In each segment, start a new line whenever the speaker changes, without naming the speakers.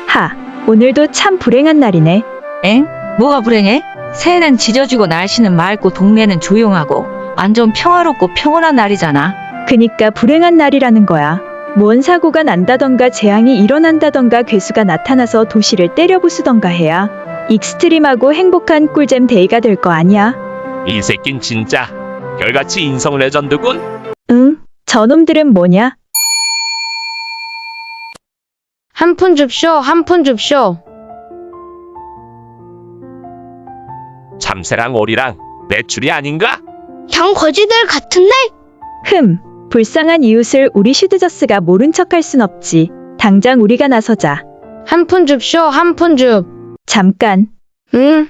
하, 오늘도 참 불행한 날이네.
엥? 뭐가 불행해? 새해는 지져지고 날씨는 맑고 동네는 조용하고 완전 평화롭고 평온한 날이잖아.
그니까 불행한 날이라는 거야. 뭔 사고가 난다던가 재앙이 일어난다던가 괴수가 나타나서 도시를 때려부수던가 해야 익스트림하고 행복한 꿀잼 데이가 될 거 아니야?
이 새낀 진짜 별같이 인성 레전드군.
응? 저놈들은 뭐냐?
한 푼 줍쇼, 한 푼 줍쇼.
참새랑 오리랑 매출이 아닌가?
형 거지들 같은데?
불쌍한 이웃을 우리 슈드저스가 모른 척할 순 없지. 당장 우리가 나서자.
한 푼 줍쇼, 한 푼 줍.
잠깐.
응?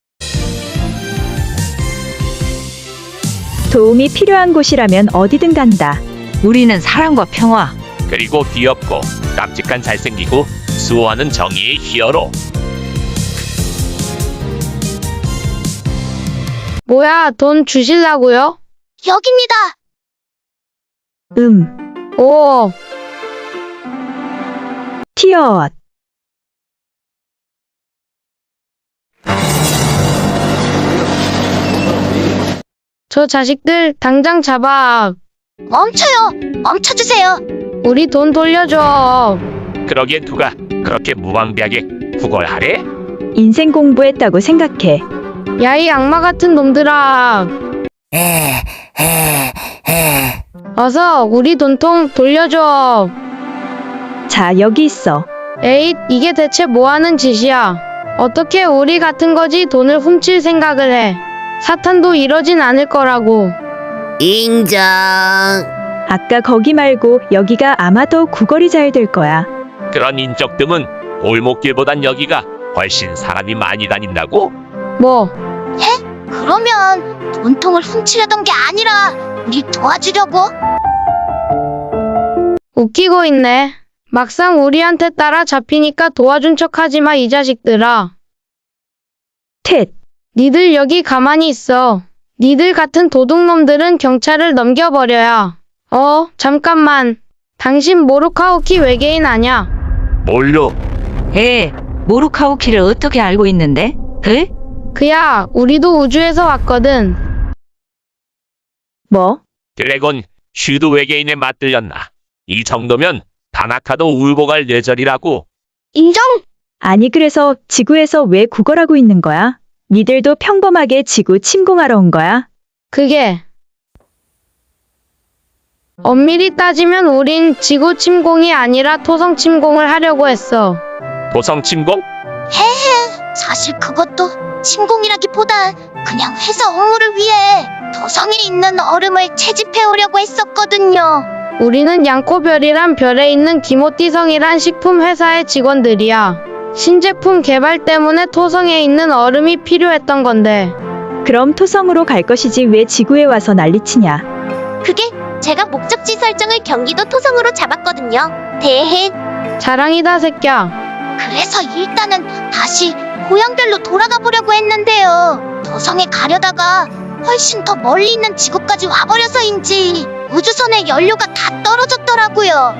도움이 필요한 곳이라면 어디든 간다.
우리는 사랑과 평화.
그리고 귀엽고 깜찍한 잘생기고 수호하는 정의의 히어로.
뭐야, 돈 주실라고요?
여깁니다.
오,
티어엇.
저 자식들 당장 잡아.
멈춰요. 멈춰주세요.
우리 돈 돌려줘.
그러기에 누가 그렇게 무방비하게 구걸하래?
인생 공부했다고 생각해.
야, 이 악마 같은 놈들아. 어서 우리 돈통 돌려줘.
자, 여기 있어.
에잇, 이게 대체 뭐하는 짓이야. 어떻게 우리 같은 거지 돈을 훔칠 생각을 해. 사탄도 이러진 않을 거라고.
인정.
아까 거기 말고 여기가 아마 더 구걸이 잘 될 거야.
그런 인적뜸은 골목길보단 여기가 훨씬 사람이 많이 다닌다고?
뭐,
그러면 돈통을 훔치려던 게 아니라 우리 도와주려고?
웃기고 있네. 막상 우리한테 따라 잡히니까 도와준 척하지 마, 이 자식들아.
텟.
니들 여기 가만히 있어. 니들 같은 도둑놈들은 경찰을 넘겨버려야. 잠깐만. 당신 모루카오키 외계인 아냐?
뭘요?
모루카오키를 어떻게 알고 있는데? 에?
그야, 우리도 우주에서 왔거든.
뭐?
드래곤 슈드 외계인에 맞들렸나? 이 정도면 다나카도 울고 갈 뇌절이라고.
인정.
아니 그래서 지구에서 왜 구걸하고 있는 거야? 니들도 평범하게 지구 침공하러 온 거야?
그게 엄밀히 따지면 우린 지구 침공이 아니라 토성 침공을 하려고 했어.
도성 침공?
사실 그것도 침공이라기보다 그냥 회사 업무를 위해 도성에 있는 얼음을 채집해 오려고 했었거든요.
우리는 양코별이란 별에 있는 기모띠성이란 식품 회사의 직원들이야. 신제품 개발 때문에 토성에 있는 얼음이 필요했던 건데.
그럼 토성으로 갈 것이지 왜 지구에 와서 난리치냐?
그게 제가 목적지 설정을 경기도 토성으로 잡았거든요. 대해.
자랑이다, 새끼야.
그래서 일단은 다시 고향별로 돌아가 보려고 했는데요. 도성에 가려다가 훨씬 더 멀리 있는 지구까지 와버려서인지 우주선의 연료가 다 떨어졌더라고요.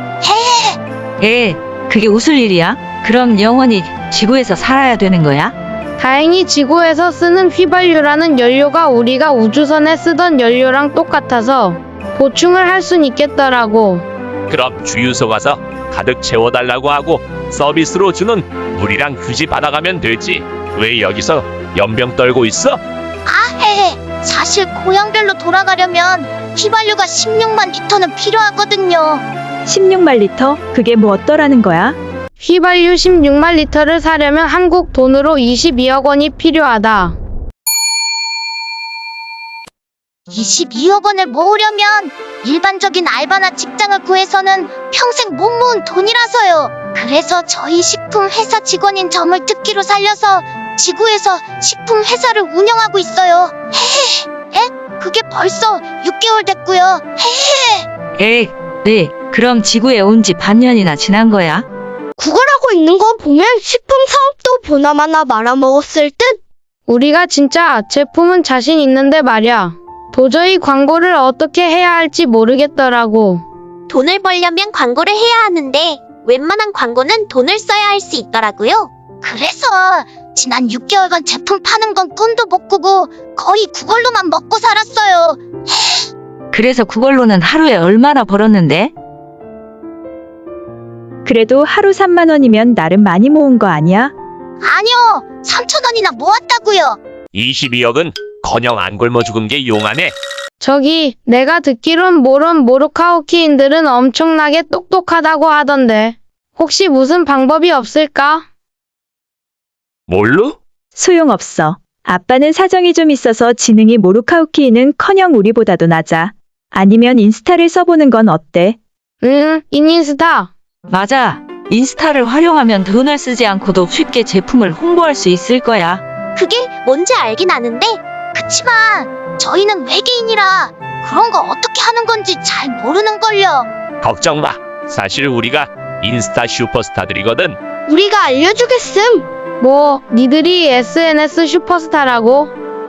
그게 웃을 일이야? 그럼 영원히 지구에서 살아야 되는 거야?
다행히 지구에서 쓰는 휘발유라는 연료가 우리가 우주선에 쓰던 연료랑 똑같아서 보충을 할 순 있겠더라고.
그럼 주유소 가서 가득 채워달라고 하고 서비스로 주는 물이랑 휴지 받아가면 되지. 왜 여기서 연병 떨고 있어?
사실 고향별로 돌아가려면 휘발유가 16만 리터는 필요하거든요.
16만 리터? 그게 뭐 어떠라는 거야?
휘발유 16만 리터를 사려면 한국 돈으로 22억 원이 필요하다.
22억 원을 모으려면 일반적인 알바나 직장을 구해서는 평생 못 모은 돈이라서요. 그래서 저희 식품 회사 직원인 점을 특기로 살려서 지구에서 식품 회사를 운영하고 있어요. 그게 벌써 6개월 됐고요.
그럼 지구에 온 지 반년이나 지난 거야?
구걸하고 있는 거 보면 식품 사업도 보나마나 말아먹었을 듯?
우리가 진짜 제품은 자신 있는데 말야. 도저히 광고를 어떻게 해야 할지 모르겠더라고.
돈을 벌려면 광고를 해야 하는데 웬만한 광고는 돈을 써야 할 수 있더라고요. 그래서 지난 6개월간 제품 파는 건 꿈도 못 꾸고 거의 그걸로만 먹고 살았어요.
그래서 그걸로는 하루에 얼마나 벌었는데?
그래도 하루 3만 원이면 나름 많이 모은 거 아니야?
아니요, 3,000원이나 모았다고요.
22억은 커녕 안 굶어 죽은 게 용하네.
저기 내가 듣기론 모로카오키인들은 엄청나게 똑똑하다고 하던데 혹시 무슨 방법이 없을까?
뭘로?
소용없어. 아빠는 사정이 좀 있어서 지능이 모루카우키는 커녕 우리보다도 낮아. 아니면 인스타를 써보는 건 어때?
인스타.
맞아. 인스타를 활용하면 돈을 쓰지 않고도 쉽게 제품을 홍보할 수 있을 거야.
그게 뭔지 알긴 아는데 그치만 저희는 외계인이라 그런 거 어떻게 하는 건지 잘 모르는걸요.
걱정 마. 사실 우리가 인스타 슈퍼스타들이거든.
우리가 알려주겠음. 뭐 니들이 SNS 슈퍼스타라고?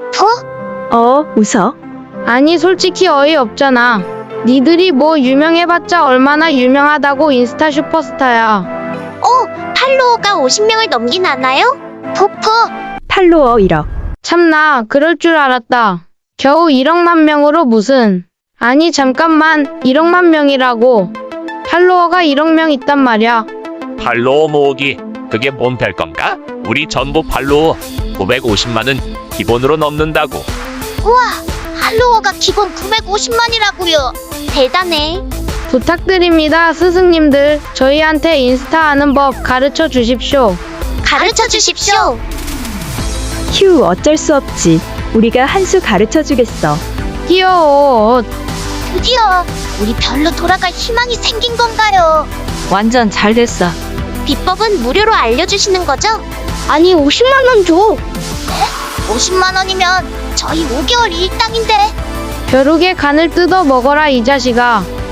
웃어?
아니 솔직히 어이없잖아. 니들이 뭐 유명해봤자 얼마나 유명하다고 인스타 슈퍼스타야.
팔로워가 50명을 넘긴 않아요? 푸푸.
팔로워 1억.
참나 그럴 줄 알았다. 겨우 1억만 명으로 무슨. 아니 잠깐만 1억만 명이라고. 팔로워가 1억 명 있단 말이야.
팔로워 모으기. 그게 뭔 별건가? 우리 전부 팔로워 950만은 기본으로 넘는다고.
우와, 팔로워가 기본 950만이라고요. 대단해.
부탁드립니다 스승님들. 저희한테 인스타 하는 법 가르쳐 주십시오.
가르쳐 주십시오.
휴, 어쩔 수 없지. 우리가 한 수 가르쳐 주겠어.
귀여워.
드디어 우리 별로 돌아갈 희망이 생긴 건가요?
완전 잘 됐어.
비법은 무료로 알려주시는 거죠?
아니 50만 원 줘.
50만 원이면 저희 5개월 일당인데.
벼룩의 간을 뜯어 먹어라 이 자식아.